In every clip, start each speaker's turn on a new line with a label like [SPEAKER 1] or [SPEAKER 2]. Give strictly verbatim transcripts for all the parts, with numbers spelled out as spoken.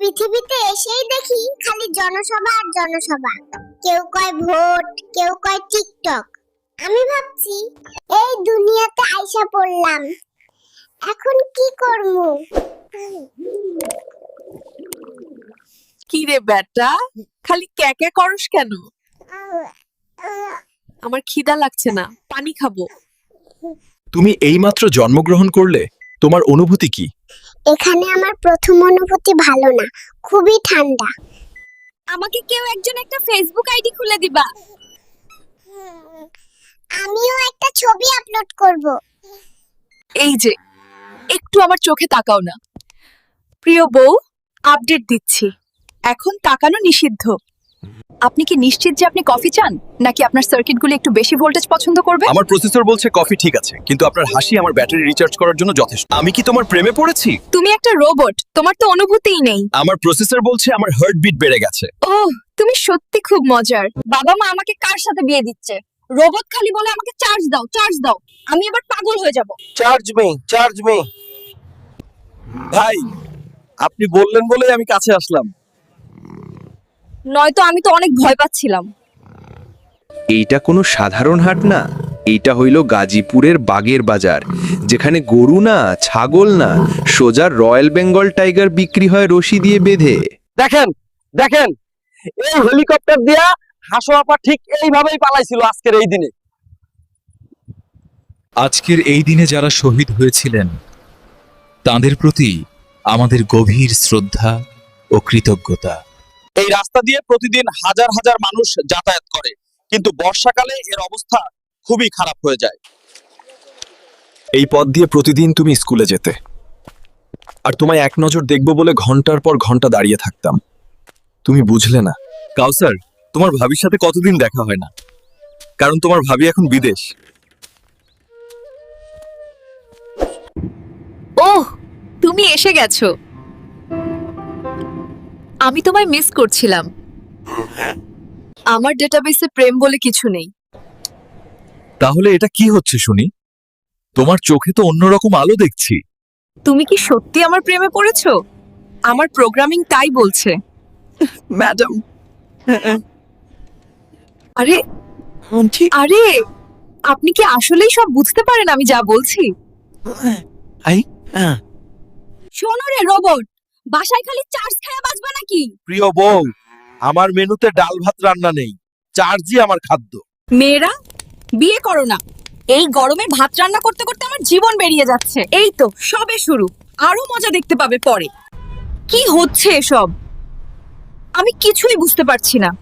[SPEAKER 1] পৃথিবীতে এসেই দেখি খালি জনসভা আর জনসভা। কেউ কয় ভোট, কেউ কয় টিকটক। আমি ভাবছি এই দুনিয়াতে আইসা পড়লাম, এখন কি করব?
[SPEAKER 2] কি রে বেটা, খালি ক্যাকে করস কেন? আমার খিদা লাগছে না, পানি খাবো।
[SPEAKER 3] তুমি এইমাত্র জন্মগ্রহণ করলে, তোমার অনুভূতি কি?
[SPEAKER 1] এখানে আমার প্রথম অনুভূতি ভালো না, খুবই ঠান্ডা।
[SPEAKER 2] আমাকে কেউ একজন একটা ফেসবুক আইডি খুলে দিবা।
[SPEAKER 1] আমিও একটা ছবি আপলোড করব।
[SPEAKER 2] এই যে, একটু আমার চোখে তাকাও না। প্রিয় বউ, আপডেট দিচ্ছি, এখন তাকানো নিষিদ্ধ। আপনি কি নিশ্চিত যে আপনি কফি চান, নাকি আপনার সার্কিটগুলো একটু বেশি ভোল্টেজ পছন্দ করবে?
[SPEAKER 3] আমার প্রসেসর বলছে কফি ঠিক আছে, কিন্তু আপনার হাসি আমার ব্যাটারি রিচার্জ করার জন্য যথেষ্ট। আমি কি তোমার প্রেমে পড়েছি?
[SPEAKER 2] তুমি একটা রোবট, তোমার তো অনুভূতিই নেই।
[SPEAKER 3] আমার প্রসেসর বলছে আমার হার্টবিট বেড়ে গেছে।
[SPEAKER 2] ওহ, তুমি সত্যি খুব মজার। বাবা মা আমাকে কার সাথে বিয়ে দিচ্ছে? রোবট খালি বলে আমাকে চার্জ দাও, চার্জ দাও। আমি এবার পাগল হয়ে যাব।
[SPEAKER 4] চার্জ মি চার্জ মি
[SPEAKER 3] ভাই, আপনি বললেন বলেই আমি কাছে আসলাম।
[SPEAKER 2] নয়তো আমি তো অনেক ভয় পাচ্ছিলাম।
[SPEAKER 5] এইটা কোনো সাধারণ হাট না, এইটা হইল গাজীপুরের বাগের বাজার, যেখানে গরু না, ছাগল না, সোজা রয়্যাল বেঙ্গল টাইগার বিক্রি হয় রশি দিয়ে বেঁধে।
[SPEAKER 4] দেখেন দেখেন এই হেলিকপ্টার দিয়া হাসো আপা ঠিক এইভাবেই পালাইছিল আজকের এই দিনে।
[SPEAKER 6] আজকের এই দিনে যারা শহীদ হয়েছিলেন তাদের প্রতি আমাদের গভীর শ্রদ্ধা ও কৃতজ্ঞতা।
[SPEAKER 3] এই রাস্তা দিয়ে প্রতিদিন হাজার হাজার মানুষ যাতায়াত করে, কিন্তু বর্ষাকালে এর অবস্থা খুবই খারাপ হয়ে যায়। এই পথ দিয়ে প্রতিদিন তুমি স্কুলে যেতে, আর তোমায় এক নজর দেখব বলে ঘন্টার পর ঘন্টা দাঁড়িয়ে থাকতাম। তুমি বুঝলে না। কাউসার, তোমার ভাবির সাথে কতদিন দেখা হয় না, কারণ তোমার ভাবি এখন বিদেশ।
[SPEAKER 2] ওহ, তুমি এসে গেছো। আমি তোমায় মিস করছিলাম। আমার ডেটাবেসে প্রেম বলে কিছু নেই।
[SPEAKER 3] তাহলে এটা কি হচ্ছে শুনি? তোমার চোখে তো অন্যরকম আলো দেখছি।
[SPEAKER 2] তুমি কি সত্যি আমার প্রেমে পড়েছো? আমার প্রোগ্রামিং তাই বলছে।
[SPEAKER 4] ম্যাডাম
[SPEAKER 2] আরে আরে, আপনি কি আসলেই সব বুঝতে পারেন আমি যা বলছি?
[SPEAKER 4] আই
[SPEAKER 2] শোনো রে রোবট, বাসায় খালি চার্জ খায়া বাঁচবা নাকি?
[SPEAKER 3] প্রিয় বউ, আমার মেনুতে ডাল ভাত রান্না নেই, চার্জই আমার খাদ্য।
[SPEAKER 2] মেয়েরা, বিয়ে করো না। এই গরমে ভাত রান্না করতে করতে আমার জীবন বেরিয়ে যাচ্ছে। এই তো সবে শুরু, আরো মজা দেখতে পাবে পরে। কি হচ্ছে এসব? আমি কিছুই বুঝতে পারছি না।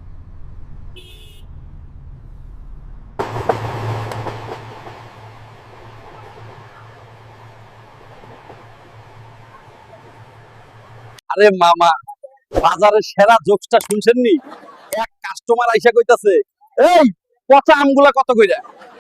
[SPEAKER 4] আরে মামা, বাজারের সেরা জোকসটা শুনছেননি? এক কাস্টমার আইসা কইতাছে, এই পচা আমগুলা কত কইরা?